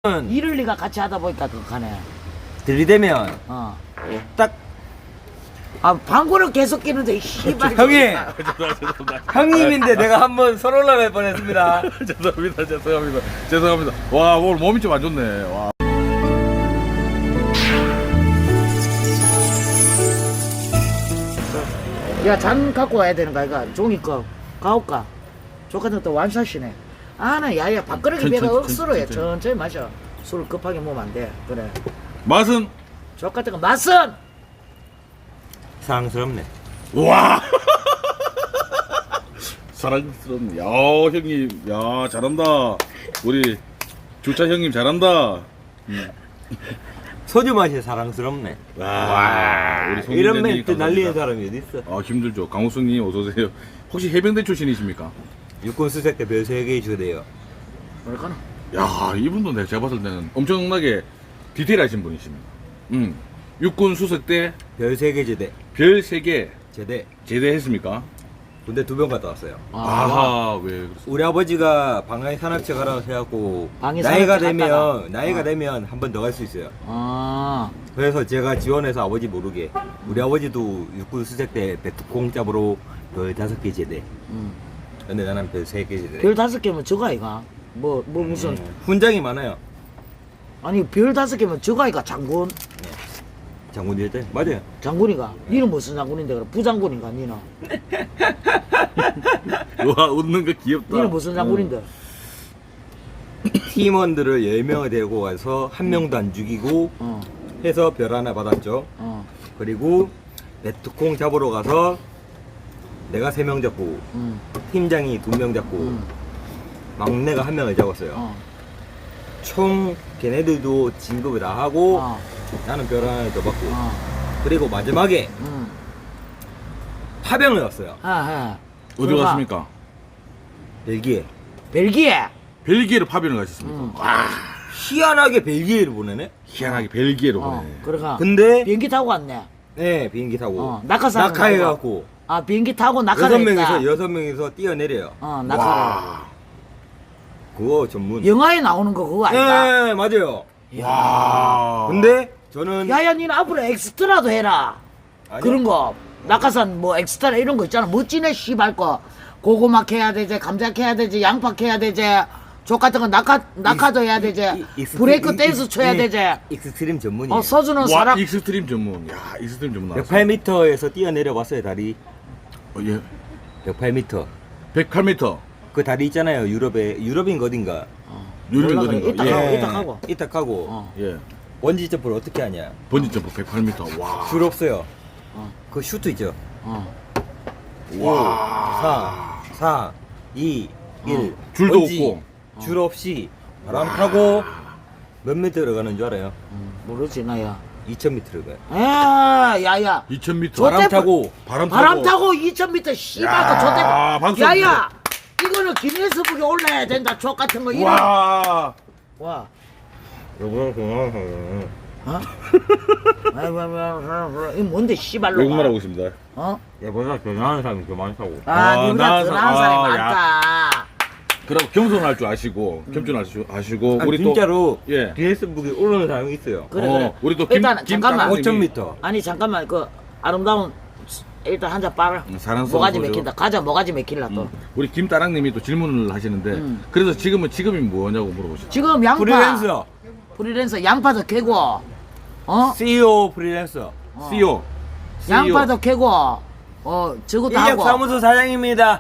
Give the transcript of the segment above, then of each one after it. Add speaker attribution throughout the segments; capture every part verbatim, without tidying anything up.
Speaker 1: 일을 네가 같이 하다 보니까 그 가네.
Speaker 2: 들이대면
Speaker 1: 어.
Speaker 2: 딱
Speaker 1: 아 방구를 계속 끼는데 씨발.
Speaker 2: 형님
Speaker 3: 죄송합니다.
Speaker 2: 형님인데 내가 한번 손 올라갈 뻔했습니다.
Speaker 3: 죄송합니다. 죄송합니다. 죄송합니다. 와 오늘 몸이 좀 안 좋네. 와.
Speaker 1: 야 잔 갖고 와야 되는 거 아이가? 종이 거 가올까? 조카들 또 완샷이네. 아나 야야 밥그릇이
Speaker 3: 천-
Speaker 1: 배가
Speaker 3: 천-
Speaker 1: 억수로 해.
Speaker 3: 천-
Speaker 1: 천천히 마셔. 술 급하게 먹으면 안 돼. 그래.
Speaker 3: 맛은
Speaker 1: 조카들 거 맛은
Speaker 2: 사랑스럽네.
Speaker 3: 와. 사랑스럽네. 야 형님, 야 잘한다. 우리 주차 형님 잘한다. 음.
Speaker 2: 소주 맛이 사랑스럽네.
Speaker 3: 와, 우리 송민재님
Speaker 2: 이런 멘트
Speaker 3: 감사합니다.
Speaker 2: 날리는 사람이 어디 있어?
Speaker 3: 아 힘들죠. 강호승님 어서 오세요. 혹시 해병대 출신이십니까?
Speaker 2: 육군 수색 때 별 세 개 주대요.
Speaker 1: 뭐랄까나?
Speaker 3: 야 이분도 내가 제가 봤을 때는 엄청나게 디테일하신 분이십니다. 음, 육군 수색 때
Speaker 2: 별 세 개 제대.
Speaker 3: 별 세 개
Speaker 2: 제대.
Speaker 3: 제대했습니까?
Speaker 2: 군대 두 번 갔다 왔어요.
Speaker 3: 아하 왜 그렇습니까?
Speaker 2: 우리 아버지가 방해 산악체 가라고 해갖고
Speaker 1: 방해
Speaker 2: 나이가
Speaker 1: 산악체
Speaker 2: 되면
Speaker 1: 갔다가.
Speaker 2: 나이가
Speaker 1: 어.
Speaker 2: 되면 한 번 더 갈 수 있어요.
Speaker 1: 아.
Speaker 2: 그래서 제가 지원해서 아버지 모르게 우리 아버지도 육군 수색 때 배트콩 잡으로 별 다섯 개 제대.
Speaker 1: 음.
Speaker 2: 근데 나는 별 세 개 제대.
Speaker 1: 별 다섯 개면 저거 아이가? 뭐, 뭐 무슨
Speaker 2: 음, 훈장이 많아요.
Speaker 1: 아니 별 다섯 개면 저거 아이가 장군?
Speaker 2: 장군일 때 맞아요.
Speaker 1: 장군이가? 니는 무슨 장군인데 그래? 부장군인가 니는?
Speaker 3: 와 웃는 거 귀엽다.
Speaker 1: 니는 무슨 장군인데?
Speaker 2: 팀원들을 열 명을 데리고 가서 한 명도 안 죽이고
Speaker 1: 어.
Speaker 2: 해서 별 하나 받았죠.
Speaker 1: 어.
Speaker 2: 그리고 배트콩 잡으러 가서 내가 세 명 잡고
Speaker 1: 음.
Speaker 2: 팀장이 두 명 잡고
Speaker 1: 음.
Speaker 2: 막내가 한 명을 잡았어요.
Speaker 1: 어.
Speaker 2: 총 걔네들도 진급을 다 하고
Speaker 1: 어.
Speaker 2: 나는 별 하나 더 받고
Speaker 1: 어.
Speaker 2: 그리고 마지막에
Speaker 1: 음.
Speaker 2: 파병을 왔어요.
Speaker 1: 아,
Speaker 3: 어디 갔습니까?
Speaker 2: 벨기에.
Speaker 1: 벨기에.
Speaker 3: 벨기에로 파병을 가셨습니까?
Speaker 1: 음.
Speaker 3: 와
Speaker 2: 희한하게 벨기에를 보내네.
Speaker 3: 희한하게 벨기에로
Speaker 1: 어.
Speaker 3: 보내.
Speaker 1: 그래가.
Speaker 2: 근데
Speaker 1: 비행기 타고 왔네.
Speaker 2: 네 비행기 타고
Speaker 1: 어. 낙하산.
Speaker 2: 낙하해갖고
Speaker 1: 아 비행기 타고
Speaker 2: 여섯
Speaker 1: 낙하를 했다.
Speaker 2: 명이서 여섯 명이서 뛰어내려요.
Speaker 1: 어 낙하를.
Speaker 3: 와.
Speaker 2: 그거 전문.
Speaker 1: 영화에 나오는 거 그거 아닌가?
Speaker 2: 네 맞아요.
Speaker 3: 와.
Speaker 2: 근데 저는
Speaker 1: 야야 니는 앞으로 엑스트라도 해라.
Speaker 2: 아니요.
Speaker 1: 그런 거 낙하산 뭐 엑스트라 이런 거 있잖아. 멋지네 씨발 거. 고구마 캐야 되지, 감자 캐야 되지, 양파 캐야 되지. 족 같은 거 낙하 낙하도 해야 되지.
Speaker 2: 이- 익스트-
Speaker 1: 브레이크
Speaker 2: 이-
Speaker 1: 댄스
Speaker 2: 이-
Speaker 1: 쳐야
Speaker 2: 이-
Speaker 1: 되지.
Speaker 2: 익스트림 전문이에요.
Speaker 1: 어 서주는
Speaker 3: 와
Speaker 1: 사람.
Speaker 3: 익스트림 전문. 야 익스트림 전문 나왔어.
Speaker 2: 백팔 미터에서 뛰어내려 봤어요 다리.
Speaker 3: 어, 예.
Speaker 2: 백팔 미터.
Speaker 3: 백팔 미터.
Speaker 2: 그 다리 있잖아요 유럽에 유럽인 거 어딘가.
Speaker 3: 유림
Speaker 1: 몰라, 그래.
Speaker 3: 거든가.
Speaker 1: 이따
Speaker 3: 예.
Speaker 1: 가고, 이따 가고.
Speaker 2: 이따 가고.
Speaker 1: 어.
Speaker 3: 예.
Speaker 2: 번지 점프를 어떻게 하냐?
Speaker 3: 번지 점프 백팔 미터. 와.
Speaker 2: 줄 없어요.
Speaker 1: 어.
Speaker 2: 그 슈트 있죠.
Speaker 1: 어.
Speaker 3: 와.
Speaker 2: 사, 사, 이, 일.
Speaker 3: 줄도
Speaker 2: 번지.
Speaker 3: 없고.
Speaker 2: 줄 없이 바람 타고 몇 미터 들어가는 줄 알아요?
Speaker 1: 음, 모르지 나야.
Speaker 2: 이천 미터 들어가요.
Speaker 1: 에 야야.
Speaker 3: 이천 미터.
Speaker 1: 저
Speaker 2: 바람
Speaker 1: 때문에-
Speaker 2: 타고
Speaker 3: 바람 타고.
Speaker 1: 바람 타고 이천 미터 씨발
Speaker 3: 야,
Speaker 1: 거 저때.
Speaker 3: 박수
Speaker 1: 야야. 이거는 기네스북에 올라야 된다. 족 같은 거 이런.
Speaker 3: 와.
Speaker 1: 와.
Speaker 2: 요거는 그냥
Speaker 1: 어? 아이고, 아이고, 아이고, 이거 뭔데 씨발로.
Speaker 3: 외국말 하고 있습니다.
Speaker 1: 어?
Speaker 2: 얘보다 대단한 사람이 더 많다고.
Speaker 1: 아,
Speaker 3: 아,
Speaker 1: 니보다
Speaker 3: 나-
Speaker 1: 더 나은 사람이
Speaker 3: 아,
Speaker 1: 많다.
Speaker 3: 그리고 겸손할 줄 아시고 겸손할 줄 아시고
Speaker 2: 아,
Speaker 3: 우리
Speaker 2: 진짜로
Speaker 3: 또 예.
Speaker 2: 기네스북에 오르는 사람이 있어요.
Speaker 1: 그래,
Speaker 3: 어,
Speaker 1: 그래.
Speaker 3: 우리 또 김-
Speaker 1: 일단
Speaker 3: 김
Speaker 1: 잠깐만.
Speaker 3: 따님.
Speaker 2: 오천 미터.
Speaker 1: 아니 잠깐만 그 아름다운 일단 한 잔 빨아.
Speaker 3: 음, 사랑스러운
Speaker 1: 모가지
Speaker 3: 소주.
Speaker 1: 맥힌다. 가자 모가지 맥힐라 또.
Speaker 3: 음, 우리 김따랑님이 또 질문을 하시는데
Speaker 1: 음.
Speaker 3: 그래서 지금은 지금이 뭐냐고 물어보시죠.
Speaker 1: 지금 양파.
Speaker 2: 프리랜서.
Speaker 1: 프리랜서 양파도 캐고. 어?
Speaker 2: 씨이오 프리랜서.
Speaker 3: 씨이오.
Speaker 1: 양파도 캐고. 어 저것도 하고.
Speaker 2: 인력사무소 사장입니다.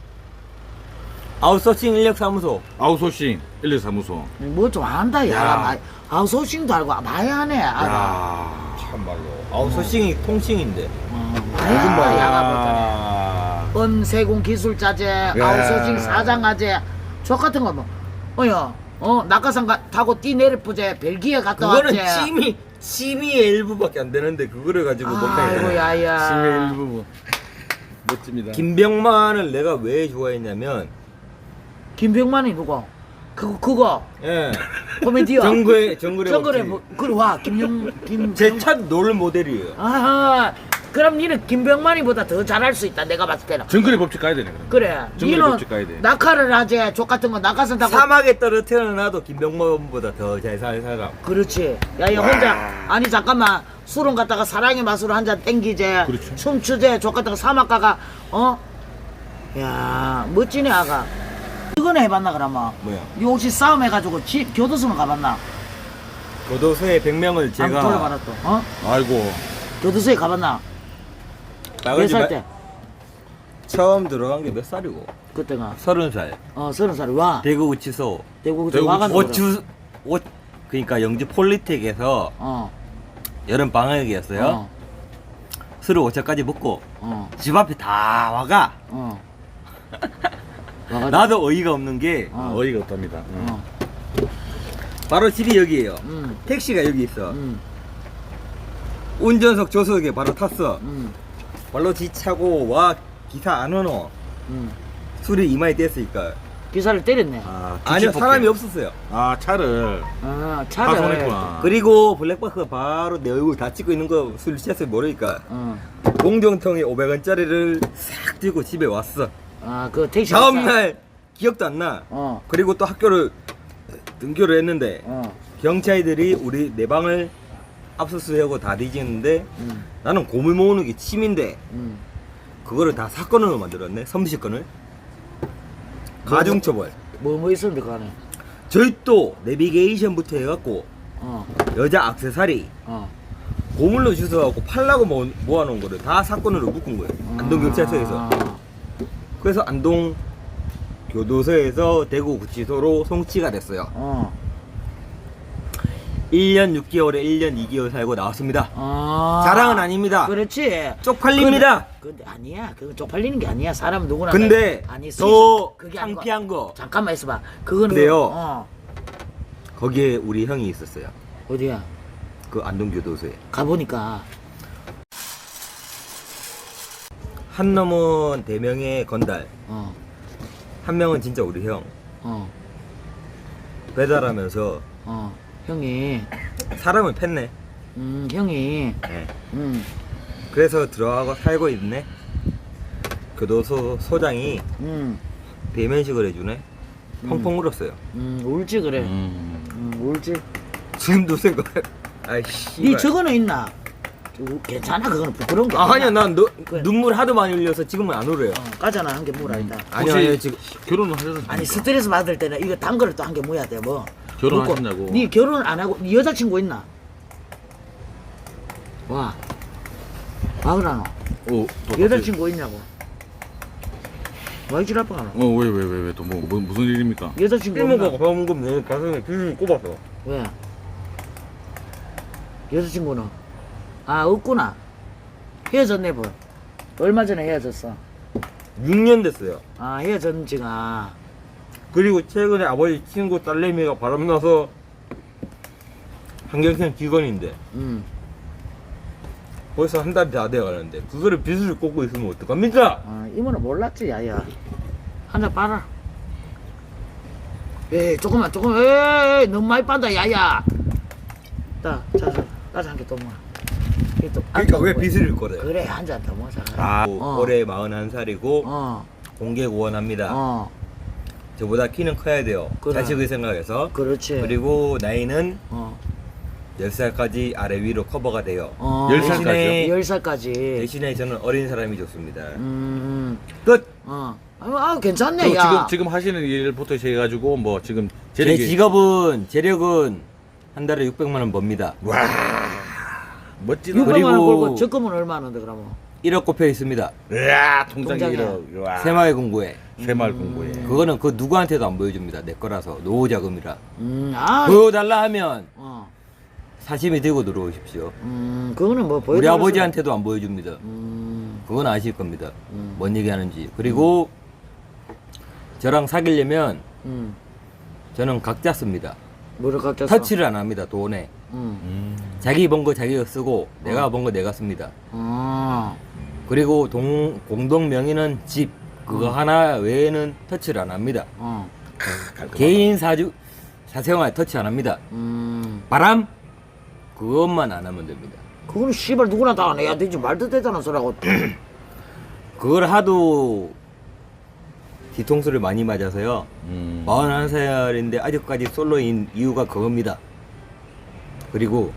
Speaker 2: 아웃소싱 인력사무소.
Speaker 3: 아웃소싱 인력사무소.
Speaker 1: 뭐 좀 안다 야.
Speaker 3: 야.
Speaker 1: 마- 아웃소싱도 알고 많이 하네. 아,
Speaker 3: 야.
Speaker 2: 참말로. 아웃소싱이 통칭인데.
Speaker 1: 어, 많이 한다 야가 보다.
Speaker 2: 아.
Speaker 1: 은세공 기술자재, 아웃소싱 사장아재, 저 같은 거 뭐, 어여, 어 낙하산 가, 타고 뛰 내려보재, 벨기에 갔다
Speaker 2: 그거는
Speaker 1: 왔지.
Speaker 2: 취미 취미의 일부밖에 안 되는데 그거를 가지고
Speaker 1: 아이고
Speaker 2: 못하겠네.
Speaker 1: 야야.
Speaker 3: 심의 일부분. 멋집니다.
Speaker 2: 김병만을 내가 왜 좋아했냐면
Speaker 1: 김병만이 누구? 그거 그거
Speaker 2: 예.
Speaker 1: 코미디어.
Speaker 2: 정글의 정글의
Speaker 1: 정글에
Speaker 2: 법칙.
Speaker 1: 뭐 그래 와 김영 김.
Speaker 2: 제 첫 롤 모델이에요.
Speaker 1: 아하 그럼 니는 김병만이보다 더 잘할 수 있다 내가 봤을 때는.
Speaker 3: 정글의 법칙 가야 되네 그럼.
Speaker 1: 그래.
Speaker 3: 정글의
Speaker 1: 니는
Speaker 3: 법칙 가야 돼.
Speaker 1: 낙하를 하지 족 같은 거 낙하산 타고.
Speaker 2: 사막에 떨어뜨려놔도 김병만보다 더 잘 살 사람.
Speaker 1: 그렇지. 야야 혼자 아니 잠깐만 술은 갖다가 사랑의 맛으로 한 잔 땡기제.
Speaker 3: 그렇죠.
Speaker 1: 춤추제 족 같은 거 사막 가가 어? 야 멋지네 아가. 이거는 해봤나 그러면?
Speaker 2: 뭐야?
Speaker 1: 니 혹시 싸움 해가지고 집 교도소는 가봤나?
Speaker 2: 교도소에 백 명을
Speaker 1: 한번
Speaker 2: 제가
Speaker 1: 돌아봐라 또. 어?
Speaker 3: 아이고.
Speaker 1: 교도소에 가봤나? 몇
Speaker 2: 나가지
Speaker 1: 살
Speaker 2: 마-
Speaker 1: 때?
Speaker 2: 처음 들어간 게 몇 살이고?
Speaker 1: 그때가
Speaker 2: 서른 살.
Speaker 1: 어 서른 살 와.
Speaker 2: 대구 우치소.
Speaker 1: 대구
Speaker 3: 대구
Speaker 1: 와간
Speaker 2: 오추 오 그러니까 영주 폴리텍에서
Speaker 1: 어.
Speaker 2: 여름 방학이었어요.
Speaker 1: 어.
Speaker 2: 술을 오차까지 먹고
Speaker 1: 어.
Speaker 2: 집 앞에 다 와가.
Speaker 1: 어. 와가지고.
Speaker 2: 나도 어이가 없는 게
Speaker 1: 어.
Speaker 3: 어. 이가 없답니다. 음.
Speaker 1: 어.
Speaker 2: 바로 집이 여기예요.
Speaker 1: 음.
Speaker 2: 택시가 여기 있어.
Speaker 1: 음.
Speaker 2: 운전석 조석에 바로 탔어.
Speaker 1: 음.
Speaker 2: 발로 지차고 와 기사 안 오노.
Speaker 1: 음.
Speaker 2: 술이 이마에 뗐으니까.
Speaker 1: 기사를 때렸네.
Speaker 3: 아,
Speaker 2: 아니요
Speaker 3: 기치
Speaker 2: 사람이
Speaker 3: 폭행.
Speaker 2: 없었어요.
Speaker 3: 아 차를
Speaker 1: 아 차를.
Speaker 3: 파손했구나.
Speaker 2: 그리고 블랙박스가 바로 내 얼굴 다 찍고 있는 거 술 취했을 모르니까
Speaker 1: 어.
Speaker 2: 공정통에 오백 원짜리를 싹 들고 집에 왔어.
Speaker 1: 아그 택시.
Speaker 2: 다음날 기억도 안 나.
Speaker 1: 어.
Speaker 2: 그리고 또 학교를 등교를 했는데
Speaker 1: 어.
Speaker 2: 경찰들이 우리 내 방을 압수수색하고 다 뒤지는데
Speaker 1: 음.
Speaker 2: 나는 고물 모으는 게 취미인데
Speaker 1: 음.
Speaker 2: 그거를 다 사건으로 만들었네. 섬시건을 가중처벌.
Speaker 1: 뭐 뭐 있었는데 그 안에.
Speaker 2: 절도 내비게이션부터 해갖고
Speaker 1: 어.
Speaker 2: 여자 액세서리
Speaker 1: 어.
Speaker 2: 고물로 주워갖고 팔라고 모아, 모아놓은 거를 다 사건으로 묶은 거예요. 안동경찰서에서.
Speaker 1: 아.
Speaker 2: 그래서 안동 교도소에서 대구 구치소로 송치가 됐어요.
Speaker 1: 어.
Speaker 2: 일 년 육 개월에 일 년 이 개월 살고 나왔습니다.
Speaker 1: 아.
Speaker 2: 자랑은 아닙니다.
Speaker 1: 그렇지.
Speaker 2: 쪽팔립니다.
Speaker 1: 근데, 근데 아니야. 그건 쪽팔리는 게 아니야. 사람 누구나.
Speaker 2: 근데
Speaker 1: 아니,
Speaker 2: 더
Speaker 1: 스위스- 그게 아니고.
Speaker 2: 창피한 거
Speaker 1: 잠깐만 있어봐. 그거는.
Speaker 2: 근데요.
Speaker 1: 어.
Speaker 2: 거기에 우리 형이 있었어요.
Speaker 1: 어디야?
Speaker 2: 그 안동교도소에.
Speaker 1: 가보니까.
Speaker 2: 한 놈은 대명의 건달,
Speaker 1: 어.
Speaker 2: 한 명은 진짜 우리 형.
Speaker 1: 어.
Speaker 2: 배달하면서
Speaker 1: 어. 형이.
Speaker 2: 사람을 팼네.
Speaker 1: 음 형이.
Speaker 2: 네.
Speaker 1: 음.
Speaker 2: 그래서 들어가고 살고 있네. 교도소 소장이
Speaker 1: 음.
Speaker 2: 대면식을 해주네. 펑펑 울었어요.
Speaker 1: 음 울지 그래.
Speaker 3: 음.
Speaker 1: 음 울지.
Speaker 2: 지금도 생각. 아이씨.
Speaker 1: 니 저거는 있나? 저거 괜찮아 그거는 부끄러운 거.
Speaker 2: 아, 아니야 난 너,
Speaker 1: 그래.
Speaker 2: 눈물 하도 많이 흘려서 지금은 안 울어요.
Speaker 1: 어, 까잖아 한 개 물어 일단.
Speaker 2: 아니요
Speaker 3: 혹시
Speaker 2: 아니요 지금
Speaker 3: 결혼을 하셨습니까?
Speaker 1: 아니 스트레스 받을 때는 이거 단 거를 또 한 개 모여야 돼 뭐.
Speaker 3: 결혼하셨냐고.
Speaker 1: 그리고 니 결혼 안 하고 니 여자친구 있나? 와. 와 그러노.
Speaker 3: 어, 또
Speaker 1: 여자친구 있냐고. 와 이질 아빠가 너.
Speaker 3: 어왜 왜 왜 왜 또 뭐 뭐, 무슨 일입니까?
Speaker 1: 여자친구
Speaker 2: 필모가
Speaker 1: 없나?
Speaker 2: 방금 내 가슴에 비를 꼽았어.
Speaker 1: 왜? 여자친구는? 아 없구나. 헤어졌네 뭐. 얼마 전에 헤어졌어.
Speaker 2: 육 년 됐어요.
Speaker 1: 아 헤어졌는 지가.
Speaker 2: 그리고 최근에 아버지 친구 딸내미가 바람나서 환경생 직원인데
Speaker 1: 음.
Speaker 2: 벌써 한 달이 다 돼가는데 그거를 빚을 꽂고 있으면 어떡합니까?
Speaker 1: 아 이모는 몰랐지 야야. 한 잔 빨아. 에이 조금만 조금 에이 너무 많이 빤다 야야. 따 자자 따자 한 개 또 먹어. 이게 또
Speaker 2: 그러니까
Speaker 1: 안
Speaker 2: 왜
Speaker 1: 먹어.
Speaker 2: 빚을 꽂아요?
Speaker 1: 그래 한 잔 더 먹자.
Speaker 2: 아
Speaker 1: 어.
Speaker 2: 올해 마흔한 살이고
Speaker 1: 어.
Speaker 2: 공개 구원합니다.
Speaker 1: 어.
Speaker 2: 저보다 키는 커야 돼요.
Speaker 1: 그래.
Speaker 2: 자식을 생각해서.
Speaker 1: 그렇지.
Speaker 2: 그리고 나이는
Speaker 1: 어.
Speaker 2: 열 살까지 아래 위로 커버가 돼요.
Speaker 1: 어.
Speaker 3: 열 살까지요?
Speaker 1: 열 살까지.
Speaker 2: 대신에 저는 어린 사람이 좋습니다.
Speaker 1: 음.
Speaker 2: 끝!
Speaker 1: 어. 아 괜찮네
Speaker 3: 그리고
Speaker 1: 야.
Speaker 3: 지금 지금 하시는 일부터 해가지고 뭐 지금
Speaker 2: 제
Speaker 3: 재력이
Speaker 2: 직업은 재력은 한 달에 육백만 원 법니다.
Speaker 3: 와 멋지다.
Speaker 1: 육백만 원
Speaker 2: 그리고-
Speaker 1: 벌고 적금은 얼마인데 그러면?
Speaker 2: 일억 꼽혀 있습니다.
Speaker 3: 으아 통장에
Speaker 1: 통장에.
Speaker 3: 일억. 와.
Speaker 2: 새마을 공고에.
Speaker 3: 새마을 공부에.
Speaker 2: 그거는 그 누구한테도 안 보여줍니다. 내 거라서 노후 자금이라.
Speaker 1: 음. 아.
Speaker 2: 보여달라 하면
Speaker 1: 어.
Speaker 2: 사심이 들고 들어오십시오.
Speaker 1: 음. 그거는 뭐 보여.
Speaker 2: 우리 아버지한테도 안 보여줍니다.
Speaker 1: 음.
Speaker 2: 그건 아실 겁니다.
Speaker 1: 음.
Speaker 2: 뭔 얘기 하는지. 그리고 저랑 사귀려면
Speaker 1: 음.
Speaker 2: 저는 각자 씁니다.
Speaker 1: 뭐를 갖겠어?
Speaker 2: 터치를 안 합니다. 돈에.
Speaker 1: 음.
Speaker 3: 음.
Speaker 2: 자기 번 거 자기가 쓰고 내가 번 거 내가 씁니다.
Speaker 1: 아.
Speaker 2: 그리고 동, 공동 명의는 집 그거 하나 외에는 터치를 안 합니다.
Speaker 1: 어.
Speaker 3: 깔끔하다.
Speaker 2: 개인 사주 사생활 터치 안 합니다.
Speaker 1: 음.
Speaker 2: 바람 그것만 안 하면 됩니다.
Speaker 1: 그거는 씨발 누구나 다 안 해야 되지. 말도 되잖아 소라고.
Speaker 2: 그걸 하도 뒤통수를 많이 맞아서요.
Speaker 3: 음.
Speaker 2: 마흔한 살인데 아직까지 솔로인 이유가 그겁니다. 그리고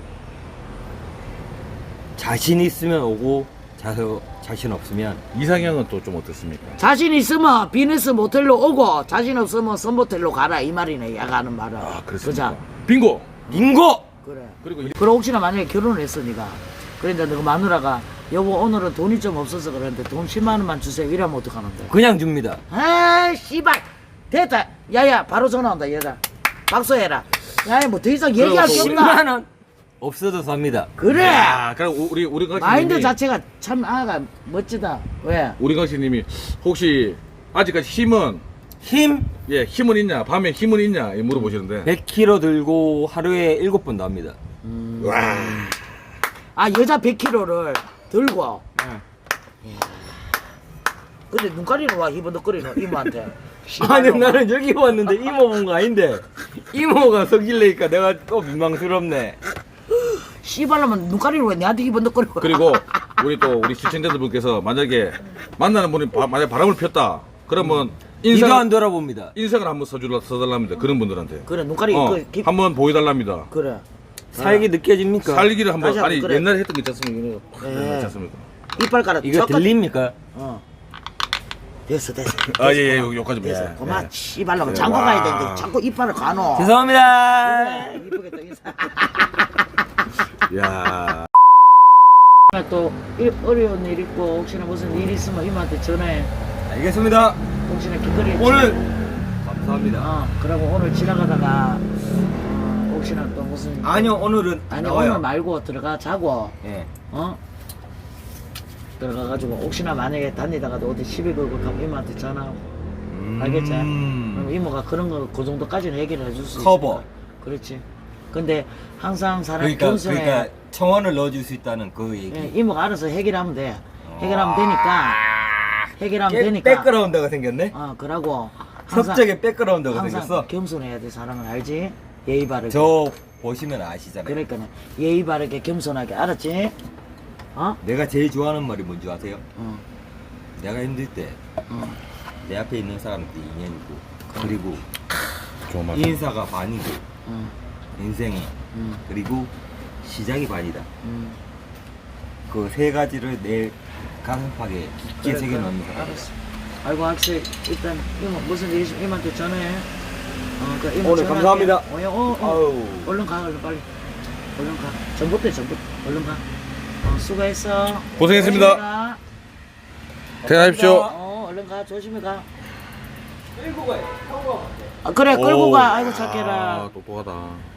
Speaker 2: 자신 있으면 오고 자, 자신 없으면
Speaker 3: 이상형은 또 좀 어떻습니까?
Speaker 1: 자신 있으면 비즈니스 모텔로 오고 자신 없으면 선모텔로 가라 이 말이네. 야가 하는 말은.
Speaker 3: 아, 그렇습니까?
Speaker 1: 그자?
Speaker 3: 빙고.
Speaker 2: 빙고!
Speaker 1: 그래.
Speaker 3: 그리고 이-
Speaker 1: 그럼 혹시나 만약에 결혼을 했어 니가. 그런데 너가 마누라가 여보 오늘은 돈이 좀 없어서 그러는데 돈 십만 원만 주세요 이러면 어떡하는데?
Speaker 2: 그냥 줍니다.
Speaker 1: 에이 씨발 됐다. 야야 바로 전화 온다 얘들아. 박수해라. 야야 뭐 더 이상 얘기할 게
Speaker 3: 또 우리-
Speaker 1: 없나?
Speaker 2: 십만 원 없어도 삽니다.
Speaker 1: 그래.
Speaker 3: 야, 그럼 우- 우리 우리 강씨님이
Speaker 1: 마인드 자체가 참 아가 멋지다. 왜?
Speaker 3: 우리 강씨님이 혹시 아직까지 힘은
Speaker 2: 힘
Speaker 3: 예 힘은 있냐 밤에 힘은 있냐 이 물어보시는데
Speaker 2: 백 킬로그램 들고 하루에 일곱 번도 합니다.
Speaker 3: 와
Speaker 1: 아 여자 백 킬로그램를 들고.
Speaker 3: 네.
Speaker 1: 근데 눈가리는 와 희번덕거리는 이모한테.
Speaker 2: 아니
Speaker 1: 씨발로.
Speaker 2: 나는 여기 왔는데 이모 본 거 아닌데 이모가 속일래니까 내가 또 민망스럽네.
Speaker 1: 씨발로면 눈가리는 왜 내한테 희번덕거리고.
Speaker 3: 그리고 우리 또 우리 시청자들분께서 만약에 만나는 분이 바, 만약 바람을 폈다 그러면
Speaker 2: 이도 안
Speaker 3: 인상
Speaker 2: 돌아봅니다.
Speaker 3: 인상을 한번 써줄라 써달랍니다 그런 분들한테
Speaker 1: 그래 눈가리
Speaker 3: 어,
Speaker 1: 그, 기,
Speaker 3: 한번 보여달랍니다
Speaker 1: 그래.
Speaker 2: 살기 느껴집니까?
Speaker 3: 살기를 한번
Speaker 1: 다시 한번
Speaker 3: 아니
Speaker 1: 그래.
Speaker 3: 옛날에 했던 게 있지 않습니까? 팍
Speaker 1: 네.
Speaker 3: 했지 않습니까?
Speaker 1: 이빨 깔아.
Speaker 2: 이거
Speaker 1: 젓갈-
Speaker 2: 들립니까?
Speaker 1: 어. 됐어 됐어.
Speaker 3: 아 예예 여기까지
Speaker 1: 됐어.
Speaker 3: 예,
Speaker 1: 그만
Speaker 3: 예.
Speaker 1: 씨발로
Speaker 3: 네,
Speaker 1: 장가
Speaker 3: 와.
Speaker 1: 가야 되는데 자꾸 이빨을 가노.
Speaker 2: 죄송합니다.
Speaker 1: 그래, 이쁘겠다 인사.
Speaker 3: 야
Speaker 1: 또 일- 어려운 일 있고 혹시나 무슨 일 있으면 이모한테 전화해.
Speaker 2: 알겠습니다.
Speaker 1: 혹시나 길거리에
Speaker 2: 오늘 감사합니다.
Speaker 1: 어 그러고 오늘 지나가다가 어, 혹시나 또 무슨
Speaker 2: 아니요 오늘은 안
Speaker 1: 아니
Speaker 2: 나와요.
Speaker 1: 오늘 말고 들어가 자고
Speaker 2: 예.
Speaker 1: 어 들어가가지고 혹시나 만약에 다니다가도 어디 시비 걸고 가면 이모한테 전화하고
Speaker 2: 음.
Speaker 1: 알겠지? 그럼 이모가 그런 거 그 정도까지는 얘기를 해줄 수
Speaker 2: 커버.
Speaker 1: 있어. 그렇지. 근데 항상 사람
Speaker 2: 그러니까
Speaker 1: 겸손해.
Speaker 2: 그러니까 청원을 넣어줄 수 있다는 그 얘기.
Speaker 1: 예, 이모가 알아서 해결하면 돼. 해결하면 되니까. 해결하면
Speaker 2: 깨-
Speaker 1: 되니까.
Speaker 2: 백그라운드가 생겼네.
Speaker 1: 어 그러고 항상
Speaker 2: 섭적에 백그라운드가
Speaker 1: 항상
Speaker 2: 생겼어.
Speaker 1: 겸손해야 돼 사람은 알지? 예의 바르게.
Speaker 2: 저 보시면 아시잖아요.
Speaker 1: 그러니까 예의 바르게 겸손하게 알았지? 어?
Speaker 2: 내가 제일 좋아하는 말이 뭔지 아세요?
Speaker 1: 어.
Speaker 2: 내가 힘들 때 내
Speaker 1: 어.
Speaker 2: 앞에 있는 사람한테 인연이고 그리고
Speaker 3: 좋은 말
Speaker 2: 인사가 반이고
Speaker 1: 어.
Speaker 2: 인생이
Speaker 1: 음.
Speaker 2: 그리고 시작이 반이다.
Speaker 1: 음.
Speaker 2: 그 세 가지를 내 가슴팍에 깊게
Speaker 1: 그래,
Speaker 2: 새겨 넣는
Speaker 1: 그래.
Speaker 2: 사람.
Speaker 1: 알았어. 아이고 학생 일단 이모 무슨 일 있으면 이모한테 전화해. 어, 그 이모
Speaker 2: 오늘
Speaker 1: 전화할게.
Speaker 2: 감사합니다.
Speaker 1: 어, 야, 어, 어.
Speaker 2: 아우.
Speaker 1: 얼른 가 얼른 빨리. 얼른 가. 전부터 전부 얼른 가. 어, 수고했어.
Speaker 3: 고생했습니다.
Speaker 1: 조심히 가.
Speaker 3: 퇴근하십시오.
Speaker 1: 어, 얼른 가. 조심히 가.
Speaker 2: 끌고 가요. 타고 가.
Speaker 1: 아, 그래 끌고
Speaker 3: 오.
Speaker 1: 가. 아이고 착해라.
Speaker 3: 아, 똑똑하다